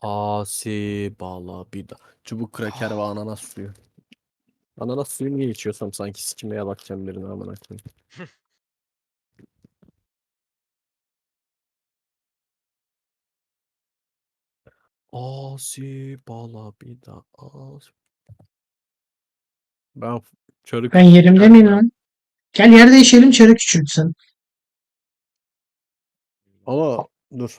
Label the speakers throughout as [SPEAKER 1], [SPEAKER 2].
[SPEAKER 1] Asi bala bida. Çubuk kraker ve ananas suyu. Ananas suyu niye içiyorsam sanki sikimeye bakacağım birine amına koyayım. Asi bala bida. Asi. Ben çarık
[SPEAKER 2] Ben yerimde miyim
[SPEAKER 1] geldim.
[SPEAKER 2] lan? Gel yer değişelim, çarı küçültsün.
[SPEAKER 1] Ama dur.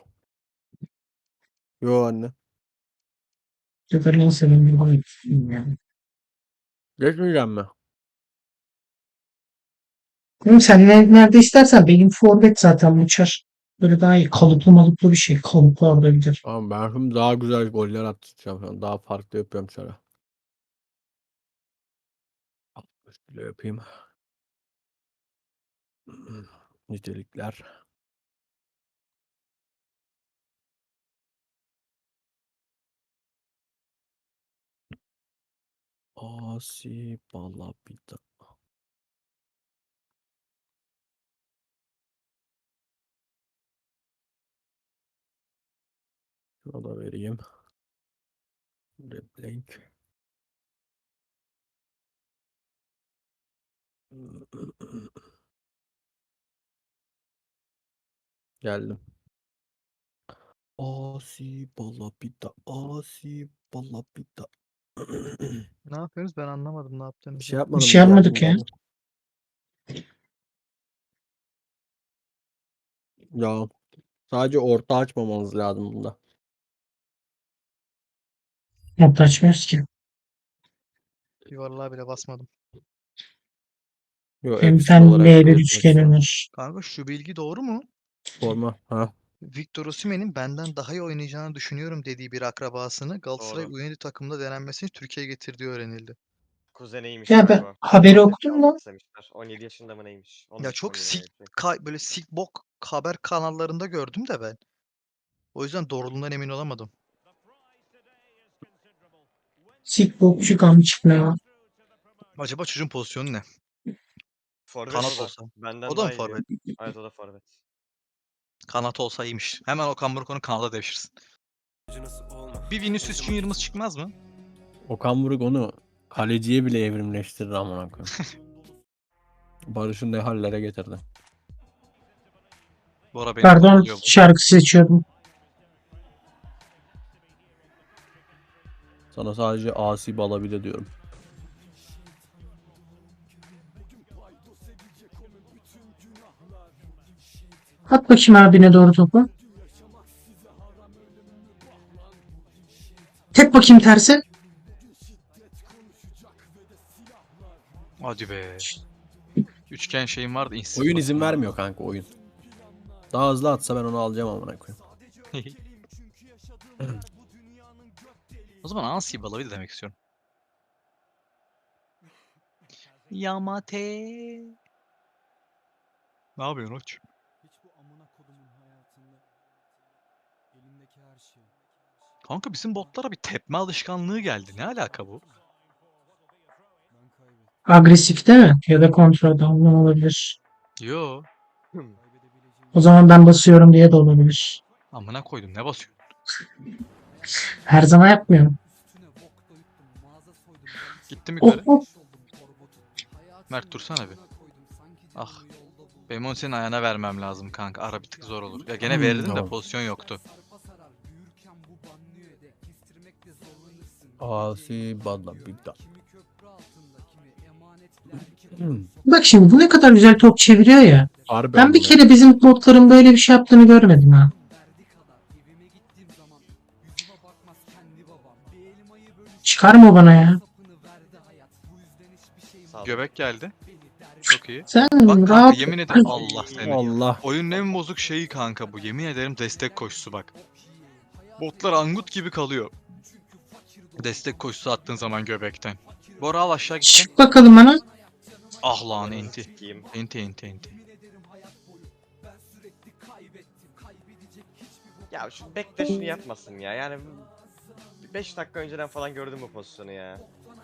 [SPEAKER 1] Yo anne.
[SPEAKER 2] Sefer nasıl benim yani.
[SPEAKER 1] Geçmeyeceğim mi?
[SPEAKER 2] Oğlum sen nerede istersen benim forvet zaten uçar. Böyle daha iyi kalıplı malıplı bir şey. Kalıplı olabilir.
[SPEAKER 1] Ama ben şimdi daha güzel goller atacağım. Şu an. Daha farklı yapıyorum çara. Şöyle yapayım. Nitelikler. Asi bala bida. Şuna da vereyim. Replank. Geldim. Asi bala bida. Asi bala bida.
[SPEAKER 3] Ne yapıyorsunuz? Ben anlamadım ne
[SPEAKER 1] Bir
[SPEAKER 3] yaptığınızı.
[SPEAKER 1] şey
[SPEAKER 2] Bir
[SPEAKER 1] yapmadım.
[SPEAKER 2] şey yapmadık ya.
[SPEAKER 1] Geldim. Ya sadece orta açmamanız lazım bunda.
[SPEAKER 2] Not açmıyoruz ki.
[SPEAKER 3] Yuvarlığa bile basmadım.
[SPEAKER 1] Yo
[SPEAKER 2] Benim bir
[SPEAKER 1] ekstra
[SPEAKER 2] tane
[SPEAKER 1] olarak
[SPEAKER 2] L1
[SPEAKER 1] belirtmek
[SPEAKER 2] üçgenim
[SPEAKER 1] istedim.
[SPEAKER 2] var.
[SPEAKER 3] Kanka şu bilgi doğru mu?
[SPEAKER 1] Forma. Ha.
[SPEAKER 3] Victor Osimhen'in benden daha iyi oynayacağını düşünüyorum dediği bir akrabasını Galatasaray
[SPEAKER 4] Doğru.
[SPEAKER 3] U17 takımında denenmesini Türkiye'ye getirdiği öğrenildi.
[SPEAKER 4] Kuzeniymiş
[SPEAKER 2] Ya
[SPEAKER 4] kanka
[SPEAKER 2] ben
[SPEAKER 4] o.
[SPEAKER 2] haberi
[SPEAKER 4] Altyapıya
[SPEAKER 2] okudum
[SPEAKER 4] almak
[SPEAKER 2] lan.
[SPEAKER 4] istemişler. 17 yaşında mı neymiş?
[SPEAKER 3] Ya
[SPEAKER 4] 13,
[SPEAKER 3] çok
[SPEAKER 4] 17 öyle bir şey.
[SPEAKER 3] böyle sikbok haber kanallarında gördüm de ben. O yüzden doğruluğundan emin olamadım.
[SPEAKER 2] Sik bokçu kamçık ne ya.
[SPEAKER 3] Acaba çocuğun pozisyonu ne?
[SPEAKER 4] Forvet
[SPEAKER 3] Kanat
[SPEAKER 4] o da.
[SPEAKER 3] olsa. O
[SPEAKER 4] Benden
[SPEAKER 3] da mı
[SPEAKER 4] daha iyi diyor.
[SPEAKER 3] forvet?
[SPEAKER 4] Evet o da forvet.
[SPEAKER 3] Kanat olsa iyiymiş. Hemen Okan Buruk'un kanada devşirsin. Bir Vinicius Junior'ımız çıkmaz mı?
[SPEAKER 1] Okan Buruk onu kaleciye bile evrimleştirir amına koyayım. Barış'ı ne hallere getirdi.
[SPEAKER 3] Bora beni
[SPEAKER 2] Pardon,
[SPEAKER 3] kovalıyor bu.
[SPEAKER 2] şarkı seçiyordum.
[SPEAKER 1] Sana sadece asi bala bile diyorum.
[SPEAKER 2] At bakayım abine doğru topu. Tek bakayım terse.
[SPEAKER 3] Hadi be. Üçgen şeyim vardı.
[SPEAKER 1] Oyun izin
[SPEAKER 3] Vardı.
[SPEAKER 1] vermiyor kanka oyun. Daha hızlı atsa ben onu alacağım amına koyayım.
[SPEAKER 3] O zaman Ansi Balavi de demek istiyorum. Yamate. Ne yapıyorsun Oç?
[SPEAKER 5] Hiç bu amına kodumun hayatında elimdeki her şey.
[SPEAKER 3] Kanka bizim botlara bir tepme alışkanlığı geldi. Ne alaka bu?
[SPEAKER 5] Ben kaybettim.
[SPEAKER 2] Agresif değil mi? Ya da kontrada ondan olabilir.
[SPEAKER 3] Yo.
[SPEAKER 5] Kaybedebileceğim
[SPEAKER 2] O zaman ben basıyorum diye de olabilir.
[SPEAKER 3] Amına koydum. Ne basıyorsun?
[SPEAKER 2] Her zaman yapmıyorum.
[SPEAKER 5] üstüne bok da yuttum. Mağaza soydum. Balık
[SPEAKER 3] Gittim
[SPEAKER 2] Oh
[SPEAKER 3] yukarı.
[SPEAKER 2] oh.
[SPEAKER 5] oldum korbotu.
[SPEAKER 3] Mert dursana bir.
[SPEAKER 5] Koydum sanki
[SPEAKER 3] Ah.
[SPEAKER 5] canımı yolda buldum.
[SPEAKER 3] Benim onu senin ayağına vermem lazım kanka. Ara bir tık zor olur. Ya gene verirdim de
[SPEAKER 1] Tamam.
[SPEAKER 3] pozisyon yoktu.
[SPEAKER 5] Sarpa sarar. Büyürken bu banliyöde. Kestirmekte zorlanırsın.
[SPEAKER 1] Asi bala bida.
[SPEAKER 5] Kimi köprü altında kimi emanetler.
[SPEAKER 2] Bak şimdi bu ne kadar güzel top çeviriyor ya.
[SPEAKER 1] Harbi
[SPEAKER 2] Ben bir
[SPEAKER 1] amına.
[SPEAKER 2] kere bizim botların böyle bir şey yaptığını görmedim ha.
[SPEAKER 5] Verdi kadar evime gittiğim zaman yüzüme bakmaz kendi babam. Bir elmayı bölüştü.
[SPEAKER 2] Çıkarma bana ya.
[SPEAKER 5] Sapını verdi hayat. Bu yüzden hiçbir şeyim
[SPEAKER 4] Sağ ol.
[SPEAKER 3] Göbek geldi.
[SPEAKER 5] beni der.
[SPEAKER 3] Çok iyi.
[SPEAKER 2] Sen
[SPEAKER 3] Bak kanka
[SPEAKER 2] rahat.
[SPEAKER 3] yemin ederim Allah seni.
[SPEAKER 1] Allah.
[SPEAKER 3] Oyunun en bozuk şeyi kanka bu. Yemin ederim destek koşusu bak. Botlar angut gibi kalıyor. Destek koşusu attığın zaman göbekten. Bora al aşağı gitsin.
[SPEAKER 2] Çık bakalım bana.
[SPEAKER 3] Ah lan
[SPEAKER 4] Ananı
[SPEAKER 3] enti.
[SPEAKER 4] sikeyim.
[SPEAKER 3] Enti.
[SPEAKER 4] Ya şu bek de şunu yapmasın ya. Yani 5 dakika önceden falan gördüm bu pozisyonu ya.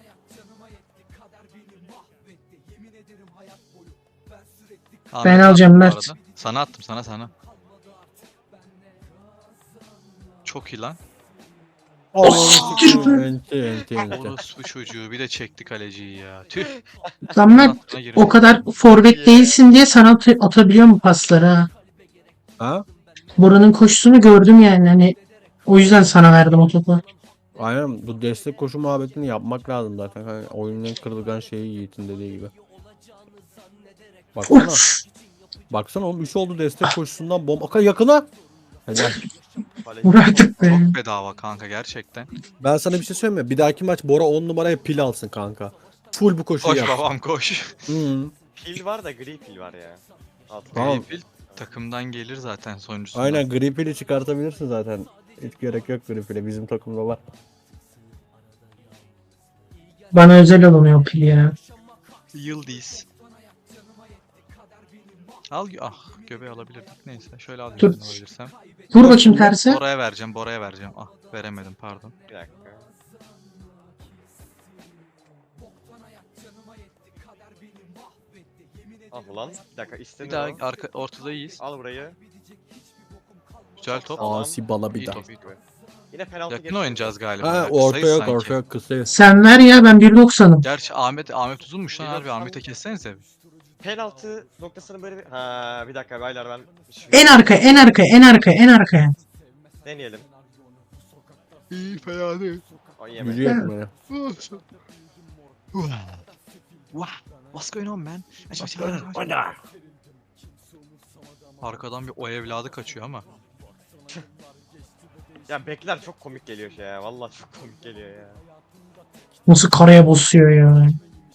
[SPEAKER 3] Ahmet'e
[SPEAKER 2] alacağım
[SPEAKER 3] attım bu
[SPEAKER 2] Mert.
[SPEAKER 3] arada. Sana attım sana. Çok iyi lan.
[SPEAKER 2] siktir be.
[SPEAKER 1] Enti.
[SPEAKER 3] Orospu çocuğu bir de çekti kaleciyi ya. Tüh.
[SPEAKER 2] Lan Mert
[SPEAKER 3] Aklına girmiş.
[SPEAKER 2] o kadar forvet değilsin diye sana atabiliyor mu pasları ha?
[SPEAKER 1] Ha?
[SPEAKER 2] Bora'nın koşusunu gördüm yani hani o yüzden sana verdim o topu.
[SPEAKER 1] Aynen bu destek koşu muhabbetini yapmak lazım zaten. Hani oyunun en kırılgan şeyi Yiğit'in dediği gibi. Baksana.
[SPEAKER 2] Uf,
[SPEAKER 1] Baksana oğlum 3 oldu destek koşusundan bomba. Yakına. Helal.
[SPEAKER 4] Kaleci
[SPEAKER 2] vur artık be.
[SPEAKER 3] Çok bedava kanka gerçekten.
[SPEAKER 1] Ben sana bir şey söyleyeyim mi? Bir dahaki maç Bora 10 numaraya pil alsın kanka. Full bu koşuyu
[SPEAKER 3] Koş
[SPEAKER 1] yap.
[SPEAKER 3] babam koş.
[SPEAKER 1] Hı.
[SPEAKER 4] Pil var da gri pil var ya. Altı.
[SPEAKER 1] Tamam.
[SPEAKER 3] Gripil takımdan gelir zaten sonuncusunda.
[SPEAKER 1] Aynen gri pili çıkartabilirsin zaten. Hiç gerek yok gri pile. Bizim takımda var.
[SPEAKER 2] Bana özel alınıyor pil ya.
[SPEAKER 3] Yıldız. Göbeği alabilirdik. Neyse şöyle alayım
[SPEAKER 2] Dur.
[SPEAKER 3] ben alabilirsem.
[SPEAKER 2] Vur bakayım tersi.
[SPEAKER 3] Bora'ya vereceğim. Ah veremedim pardon.
[SPEAKER 4] Bir dakika. Ah ulan. Bir dakika
[SPEAKER 3] Bir
[SPEAKER 4] istemiyor.
[SPEAKER 3] daha
[SPEAKER 4] o.
[SPEAKER 3] ortada iyiyiz.
[SPEAKER 4] Al burayı.
[SPEAKER 3] Güzel top.
[SPEAKER 4] Tamam.
[SPEAKER 1] Asi bala bir
[SPEAKER 3] İyi
[SPEAKER 1] daha.
[SPEAKER 3] top.
[SPEAKER 4] Yine penaltı
[SPEAKER 3] Yakın
[SPEAKER 4] geçiyor.
[SPEAKER 3] oynayacağız galiba.
[SPEAKER 1] Ha
[SPEAKER 3] ya.
[SPEAKER 1] orta
[SPEAKER 3] Kısayız
[SPEAKER 1] yok
[SPEAKER 3] sanki.
[SPEAKER 1] orta yok kısayız.
[SPEAKER 2] Sen ver ya ben 1.90'ım.
[SPEAKER 3] Gerçi Ahmet uzunmuş lan harbi
[SPEAKER 4] 1.90
[SPEAKER 3] Ahmet'e kessenize.
[SPEAKER 4] Penaltı noktasını böyle bir... Ha bir dakika baylar ben...
[SPEAKER 2] En arka en arka en arka en arkaya.
[SPEAKER 4] Deneyelim.
[SPEAKER 3] İyi fena değil.
[SPEAKER 4] O
[SPEAKER 1] Gücü
[SPEAKER 4] yemedi.
[SPEAKER 1] yetmeye.
[SPEAKER 3] What's going on man? Arkadan bir o evladı kaçıyor ama.
[SPEAKER 4] Ya bekler çok komik geliyor şey ya. Vallahi çok komik geliyor ya.
[SPEAKER 2] Nasıl karaya basıyor ya.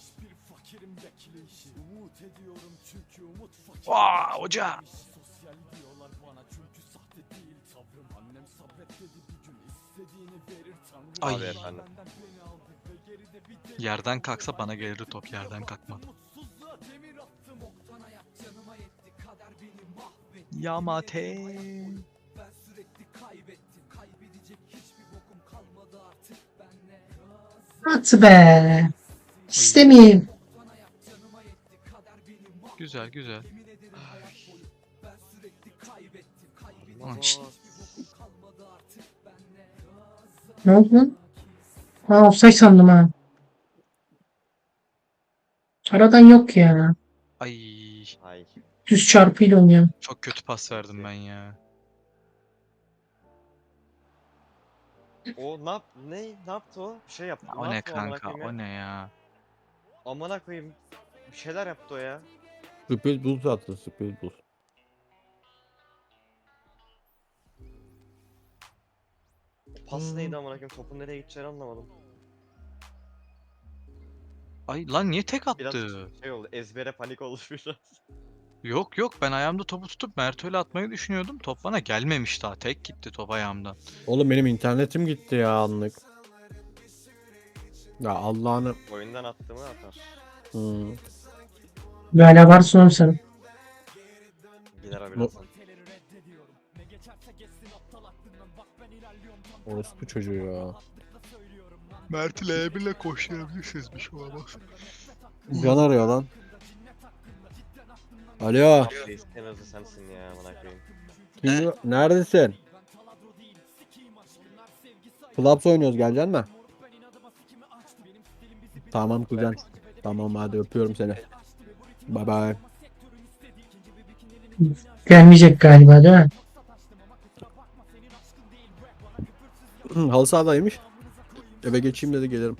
[SPEAKER 3] Hoca. Ay
[SPEAKER 4] Abi efendim.
[SPEAKER 3] yerden kalksa bana gelirdi top yerden kalkmadı. Yamate.
[SPEAKER 2] At be. İstemeyeyim.
[SPEAKER 3] Güzel.
[SPEAKER 4] Aman
[SPEAKER 3] Şşt.
[SPEAKER 2] Ne oldu lan? Ha offside sandım ha. Aradan yok ya.
[SPEAKER 3] Ay
[SPEAKER 4] Ay.
[SPEAKER 2] Düz çarpıyla oynuyorum.
[SPEAKER 3] çok kötü pas verdim ben ya.
[SPEAKER 4] O ne yaptı o? Bir şey yaptı.
[SPEAKER 3] O ne
[SPEAKER 4] yaptı amına
[SPEAKER 3] kanka
[SPEAKER 4] koyayım ya?
[SPEAKER 3] o ne ya.
[SPEAKER 4] Amına koyayım. Bir şeyler yaptı o ya.
[SPEAKER 1] Speed boost attı speed boost.
[SPEAKER 4] O pas neydi amına koyayım? Topun nereye gideceğini anlamadım.
[SPEAKER 3] Ay lan niye tek
[SPEAKER 4] Biraz
[SPEAKER 3] attı?
[SPEAKER 4] şey oldu. Ezbere panik oldu biraz.
[SPEAKER 3] Yok ben ayağımda topu tutup Mert'öyle atmayı düşünüyordum. Top bana gelmemiş daha. Tek gitti top ayağımdan.
[SPEAKER 1] Oğlum benim internetim gitti ya anlık. Ya Allah'ını.
[SPEAKER 4] Oyundan attığımı atar.
[SPEAKER 1] Hmm.
[SPEAKER 2] Bir hala varsın oğlum sen.
[SPEAKER 4] Gider abi birazdan.
[SPEAKER 1] Orospu çocuğu ya.
[SPEAKER 3] Mert ile L1'le koşturabilirsiniz bir şey olmaz.
[SPEAKER 1] Can arıyor lan. Alo.
[SPEAKER 4] Reis en hızlı sensin ya amına koyayım.
[SPEAKER 1] Neredesin? Flaps oynuyoruz geleceksin mi? Tamam kuzen. Tamam hadi öpüyorum seni. Bye bye.
[SPEAKER 2] Gelmeyecek galiba değil mi?
[SPEAKER 1] Halı sahadaymış. Eve geçeyim dedi gelirim.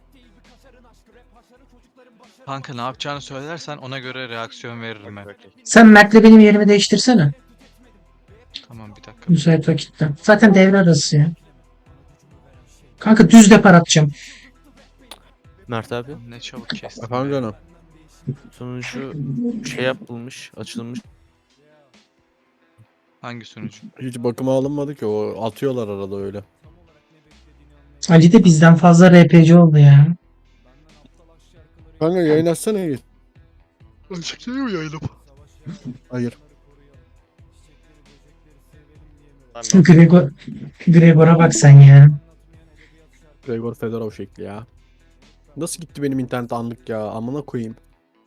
[SPEAKER 3] Kanka ne yapacağını söylersen ona göre reaksiyon veririm ben.
[SPEAKER 4] Okey.
[SPEAKER 2] Sen Mert'le benim yerimi değiştirsene.
[SPEAKER 3] Tamam bir dakika.
[SPEAKER 2] Müsait vakitte. Zaten devre arası ya. Kanka düz depar atacağım.
[SPEAKER 6] Mert abi
[SPEAKER 3] Ne çabuk kestim.
[SPEAKER 1] Efendim canım.
[SPEAKER 6] sonucu şey yapılmış, açılmış.
[SPEAKER 3] Hangi sunucu?
[SPEAKER 1] Hiç bakıma alınmadı ki o atıyorlar arada öyle.
[SPEAKER 2] Ali de bizden fazla RPC oldu ya.
[SPEAKER 1] Kanka yayın açsana iyi.
[SPEAKER 3] Açık değil mi yayınım?
[SPEAKER 1] Hayır.
[SPEAKER 4] Tamam,
[SPEAKER 2] Gregor'a bak sen ya.
[SPEAKER 1] Gregor Fedorov şekli ya. Nasıl gitti benim internet anlık ya? Amına koyayım.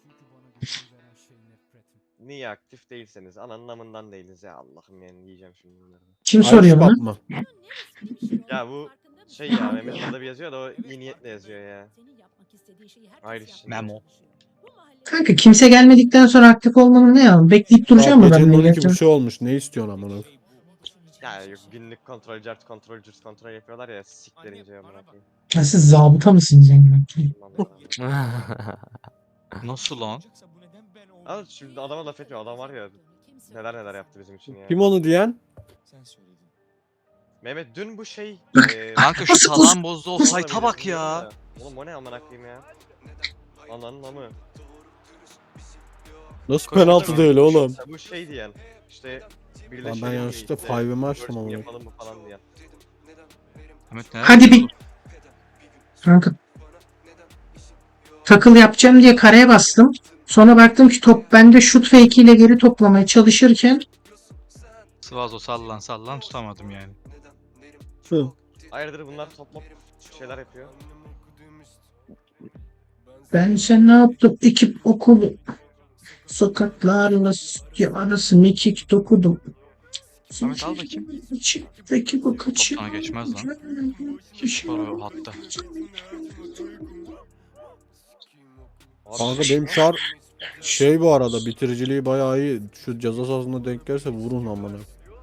[SPEAKER 4] niye aktif değilseniz ananın amından değiliz ya Allah'ım yani yiyeceğim şimdi bunları.
[SPEAKER 2] Kim soruyor bunu?
[SPEAKER 1] Mı?
[SPEAKER 4] Ya bu Şey ya Mehmet orada bir yazıyor da o iyi niyetle yazıyor ya. Ayrı şimdi.
[SPEAKER 3] Memo.
[SPEAKER 2] Kanka kimse gelmedikten sonra aktif olmanın ne ya? Bekleyip duracağım mı ben?
[SPEAKER 1] Gecenin
[SPEAKER 2] de
[SPEAKER 1] 12 bir şey olmuş. Ne istiyorsun amına?
[SPEAKER 4] Ya yok günlük kontrol, cart kontrol, cürt kontrol yapıyorlar ya siklerince amına koyayım.
[SPEAKER 2] Ya siz zabıta mısınız yani?
[SPEAKER 3] Nasıl lan?
[SPEAKER 4] Ama şimdi adama laf etmiyor. Adam var ya neler neler yaptı bizim için ya.
[SPEAKER 1] Kim onu diyen?
[SPEAKER 4] Mehmet dün bu şey
[SPEAKER 3] Kanka şu
[SPEAKER 2] Nasıl
[SPEAKER 3] talan bozdu o
[SPEAKER 4] Oğlum
[SPEAKER 3] sayta bak ya.
[SPEAKER 4] Oğlum o ne amına koyayım ya? Ananın amı.
[SPEAKER 1] Nasıl
[SPEAKER 3] Koş,
[SPEAKER 1] penaltı
[SPEAKER 3] koş.
[SPEAKER 1] değil oğlum?
[SPEAKER 4] Ya bu şey diyen işte
[SPEAKER 1] Lan
[SPEAKER 4] birleşelim
[SPEAKER 1] ben
[SPEAKER 4] mi
[SPEAKER 1] yanlışlıkla
[SPEAKER 4] işte,
[SPEAKER 1] five'ımı açtım
[SPEAKER 4] working
[SPEAKER 1] amına.
[SPEAKER 4] yapalım mı falan diyen.
[SPEAKER 3] Ahmet ne?
[SPEAKER 2] Hadi bir kanka takıl yapacağım diye kareye bastım. Sonra baktım ki top bende şut fake ile geri toplamaya çalışırken
[SPEAKER 3] Svazo sallan sallan tutamadım yani.
[SPEAKER 1] Hı.
[SPEAKER 4] Hayırdır bunlar toplam şeyler yapıyor.
[SPEAKER 2] ben sen ne yaptım? Ekip okulu sokaklarla arası mekik dokudum.
[SPEAKER 3] Ahmet al bakayım.
[SPEAKER 2] İçimdeki bu kaçı.
[SPEAKER 3] Sana geçmez lan. Hiç var o hatta.
[SPEAKER 4] Abi,
[SPEAKER 1] Kanka benim çar şey bu arada bitiriciliği bayağı iyi. Şu ceza sahasına denk gelirse vurun amına.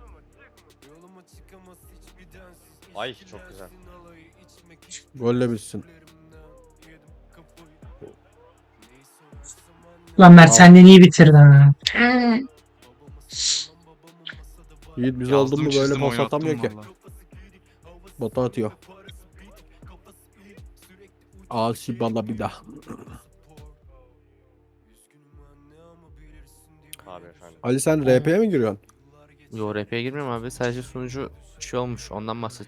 [SPEAKER 4] Ay çok güzel.
[SPEAKER 1] Golle bitsin.
[SPEAKER 2] Lan Mert senden iyi bitirdin ha.
[SPEAKER 1] Yiğit biz oldun mu böyle
[SPEAKER 3] çizdim,
[SPEAKER 1] pas
[SPEAKER 3] oynattım
[SPEAKER 1] atamıyor ki.
[SPEAKER 3] valla.
[SPEAKER 1] Bota atıyor. Asi bala bir daha.
[SPEAKER 4] Abi efendim.
[SPEAKER 1] Ali sen RP'ye mi giriyorsun?
[SPEAKER 6] Yo RP'ye girmiyorum abi. Sadece sunucu şey olmuş. Ondan bahset.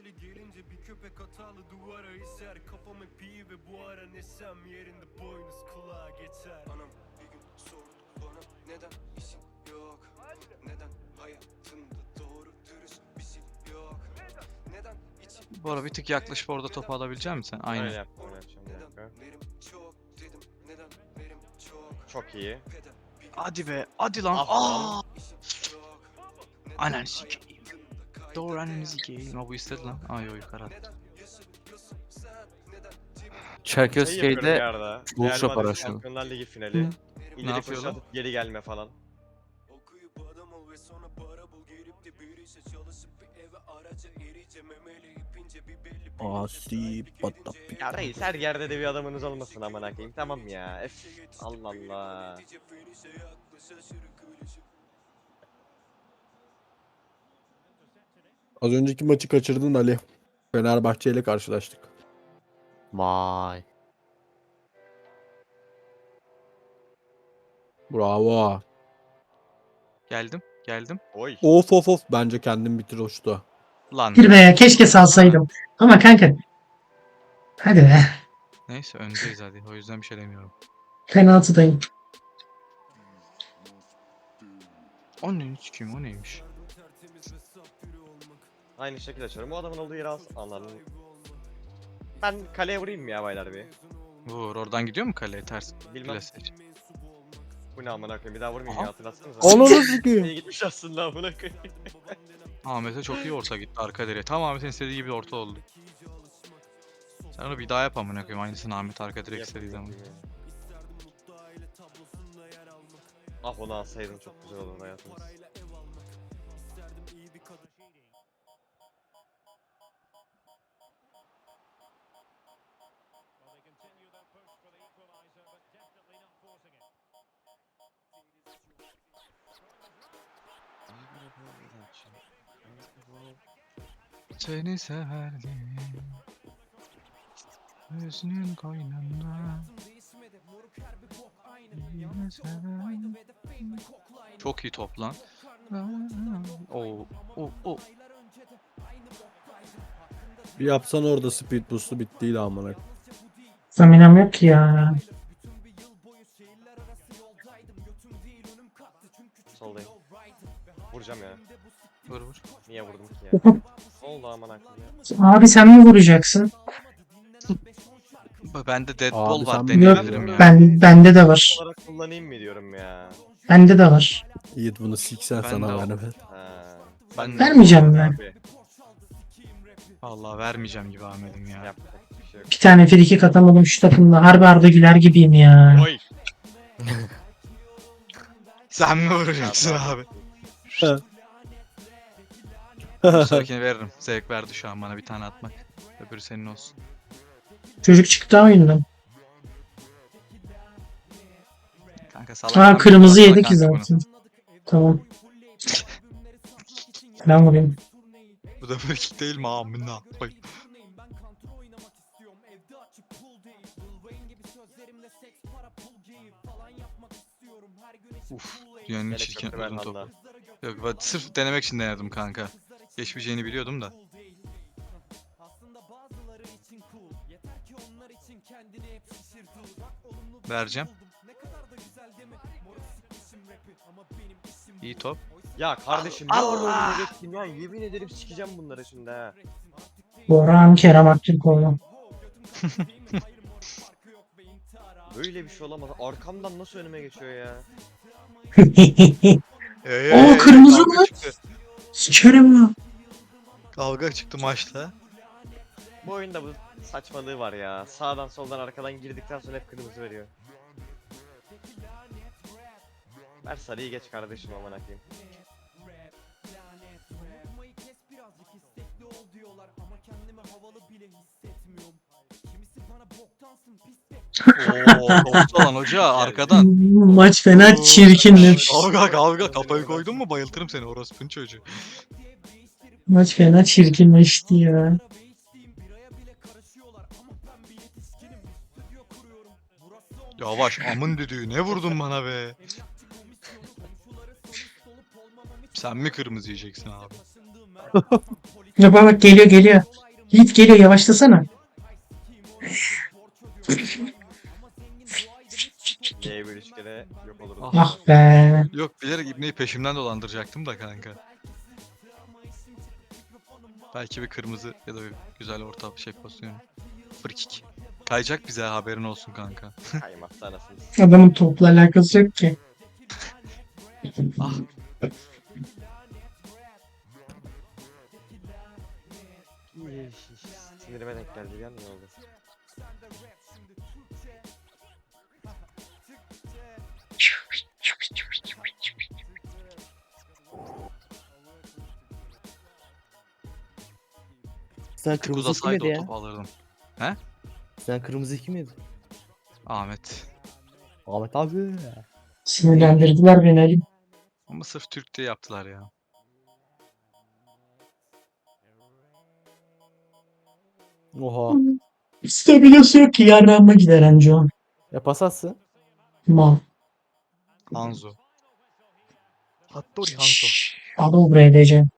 [SPEAKER 3] Bu ara bir tık yaklaşıp orada topu alabilecek misin sen?
[SPEAKER 4] Öyle
[SPEAKER 3] Aynen.
[SPEAKER 4] yaptım öyle yapacağım bir dakika. Çok iyi.
[SPEAKER 3] Hadi be. Hadi lan.
[SPEAKER 4] Ah lan.
[SPEAKER 3] Aa! Ananı sikeyim. Doğru ananı sikeyim. Ama bu istedi lan. Ay yo yukarı attı.
[SPEAKER 4] Şey yapıyorum bir
[SPEAKER 6] Çerkezköy'de
[SPEAKER 4] arada.
[SPEAKER 6] Bull
[SPEAKER 4] Real
[SPEAKER 6] Shop
[SPEAKER 4] Madrid
[SPEAKER 6] araştırma.
[SPEAKER 4] Şampiyonlar Ligi finali.
[SPEAKER 3] Ne
[SPEAKER 4] İleri
[SPEAKER 3] yapıyor
[SPEAKER 4] koşu
[SPEAKER 3] lan?
[SPEAKER 4] atıp geri gelme falan.
[SPEAKER 1] Asi bata.
[SPEAKER 4] Ya reis her yerde de bir adamınız olmasın amına koyayım tamam ya. Ef Allah Allah.
[SPEAKER 1] Az önceki maçı kaçırdın Ali. Fenerbahçe ile karşılaştık.
[SPEAKER 6] vay.
[SPEAKER 1] Bravo.
[SPEAKER 3] Geldim. Geldim.
[SPEAKER 4] Oy.
[SPEAKER 1] Of of of. Bence kendim bitir hoştu.
[SPEAKER 3] Lan.
[SPEAKER 2] Bir be keşke salsaydım. Ama kanka hadi be.
[SPEAKER 3] Neyse öndeyiz hadi. O yüzden bir şey demiyorum.
[SPEAKER 2] Penaltıdayım.
[SPEAKER 3] O ne sikeyim o neymiş?
[SPEAKER 4] Aynı şekilde açıyorum. Bu adamın olduğu yeri al. Anladım. Ben kaleye vurayım mı ya baylar bir?
[SPEAKER 3] Vur oradan gidiyor mu kaleye ters?
[SPEAKER 4] Bilmem.
[SPEAKER 3] Klasik.
[SPEAKER 4] Bu ne amına koyayım bir daha vurmayayım
[SPEAKER 3] Aha.
[SPEAKER 4] ya hatırlatsanıza.
[SPEAKER 1] Ananı sikeyim.
[SPEAKER 4] İyi gitmiş aslında amına koyayım.
[SPEAKER 3] Ahmet'e çok iyi orta gitti arka direğe. Tam Ahmet'in istediği gibi orta oldu. Sen onu bir daha yap amına koyayım. Aynısını Ahmet arka direk istediği zaman.
[SPEAKER 4] Ah onu alsaydın çok güzel olurdu hayatımız.
[SPEAKER 3] Seni severdim. Hüznün koynunda. Yine severdim. Çok iyi top lan. Oo, o.
[SPEAKER 1] Bir yapsan orada speed boost'u bittiydi amına.
[SPEAKER 2] Staminam yok ki ya.
[SPEAKER 4] Soldayım. Vuracağım ya.
[SPEAKER 3] Vur vur.
[SPEAKER 4] Niye vurdum ki ya? Ne oldu aman akıllı ya?
[SPEAKER 2] Abi sen mi vuracaksın?
[SPEAKER 3] Bende deadball
[SPEAKER 1] Abi
[SPEAKER 3] var
[SPEAKER 1] sen
[SPEAKER 3] deneyebilirim ya.
[SPEAKER 2] Bende de var.
[SPEAKER 4] Olarak kullanayım mı diyorum ya?
[SPEAKER 2] Bende de var.
[SPEAKER 1] Yiğit bunu siksen
[SPEAKER 3] Ben
[SPEAKER 1] sana
[SPEAKER 3] de
[SPEAKER 1] vermem.
[SPEAKER 4] Ha.
[SPEAKER 3] Ben-
[SPEAKER 2] Vermeyeceğim ben.
[SPEAKER 4] Abi.
[SPEAKER 3] Vallahi vermeyeceğim gibi Ahmet'im ya.
[SPEAKER 4] Yapacak bir şey yok.
[SPEAKER 2] Bir tane frikik atamadım şu takımda. Harbi Arda Güler gibiyim ya.
[SPEAKER 3] Oy. Sen mi vuracaksın abi? Bir sonrakini veririm. Zevk verdi şu an bana bir tane atmak. Öbürü senin olsun.
[SPEAKER 2] Çocuk çıktı oyundan.
[SPEAKER 3] Kanka salak.
[SPEAKER 2] Ha
[SPEAKER 3] lan,
[SPEAKER 2] kırmızı
[SPEAKER 3] baksana
[SPEAKER 2] yedi ki
[SPEAKER 3] kanka bunu.
[SPEAKER 2] zaten. Tamam. Ben vurayım.
[SPEAKER 3] Bu da frikik değil mi amına? Oy. Uf. Dünyanın en
[SPEAKER 4] Hele
[SPEAKER 3] çirkin
[SPEAKER 4] köprü ver
[SPEAKER 3] uzun topu.
[SPEAKER 4] Handa.
[SPEAKER 3] Yok ben sırf denemek için denedim kanka. Geçmeyeceğini biliyordum da. Vereceğim. İyi top.
[SPEAKER 4] Ya kardeşim ne var orada bekleyin ya, yemin ederim sikeceğim bunları şimdi ha.
[SPEAKER 2] Boran Kerem Aktürkoğlu.
[SPEAKER 4] Böyle bir şey olamaz. Arkamdan nasıl önüme geçiyor ya?
[SPEAKER 2] kırmızı
[SPEAKER 3] kavga
[SPEAKER 2] mı?
[SPEAKER 3] çıktı.
[SPEAKER 2] Sikerim ya.
[SPEAKER 3] Kavga çıktı maçta.
[SPEAKER 4] Bu oyunda bu saçmalığı var ya. Sağdan soldan arkadan girdikten sonra hep kırmızı veriyor. Ver sarıyı geç kardeşim aman akıyım.
[SPEAKER 3] Oo, topçu lan hoca arkadan.
[SPEAKER 2] Maç fena çirkinlemiş.
[SPEAKER 3] Kavga kafayı koydun mu bayıltırım seni orospunun çocuğu.
[SPEAKER 2] Maç fena çirkinleşti ya.
[SPEAKER 3] Yavaş amın düdüğü ne vurdun bana be. Sen mi kırmızı yiyeceksin abi?
[SPEAKER 2] Ya bak geliyor. Yiğit geliyor yavaşlasana.
[SPEAKER 4] D bir 3 kere yok olurdu.
[SPEAKER 3] Ah.
[SPEAKER 2] Ah be.
[SPEAKER 3] Yok bilerek İbne'yi peşimden dolandıracaktım da kanka. Belki bir kırmızı ya da bir güzel orta şey pozisyonu. Frikik. Kayacak bize haberin olsun kanka.
[SPEAKER 4] Kaymazsa anasını.
[SPEAKER 2] Adamın topla alakası yok ki.
[SPEAKER 3] Ah.
[SPEAKER 4] Sinirime denk geldi bir an ne oldu?
[SPEAKER 6] Sen
[SPEAKER 3] Tık
[SPEAKER 6] kırmızı kim
[SPEAKER 3] uzasaydı
[SPEAKER 6] yedi
[SPEAKER 3] o
[SPEAKER 6] ya?
[SPEAKER 3] topu alırdım.
[SPEAKER 6] Sen kırmızı kim yedi?
[SPEAKER 3] Ahmet.
[SPEAKER 6] Ahmet abi.
[SPEAKER 2] Sinirlendirdiler beni Ali.
[SPEAKER 3] Ama sırf Türk diye yaptılar ya.
[SPEAKER 6] Oha.
[SPEAKER 2] Stabilası yok ki yarrağıma gider anca o.
[SPEAKER 6] Ya pas atsın.
[SPEAKER 2] Mal.
[SPEAKER 3] Hanzo. Hattori Hanzo.
[SPEAKER 2] Al buraya diyeceğim.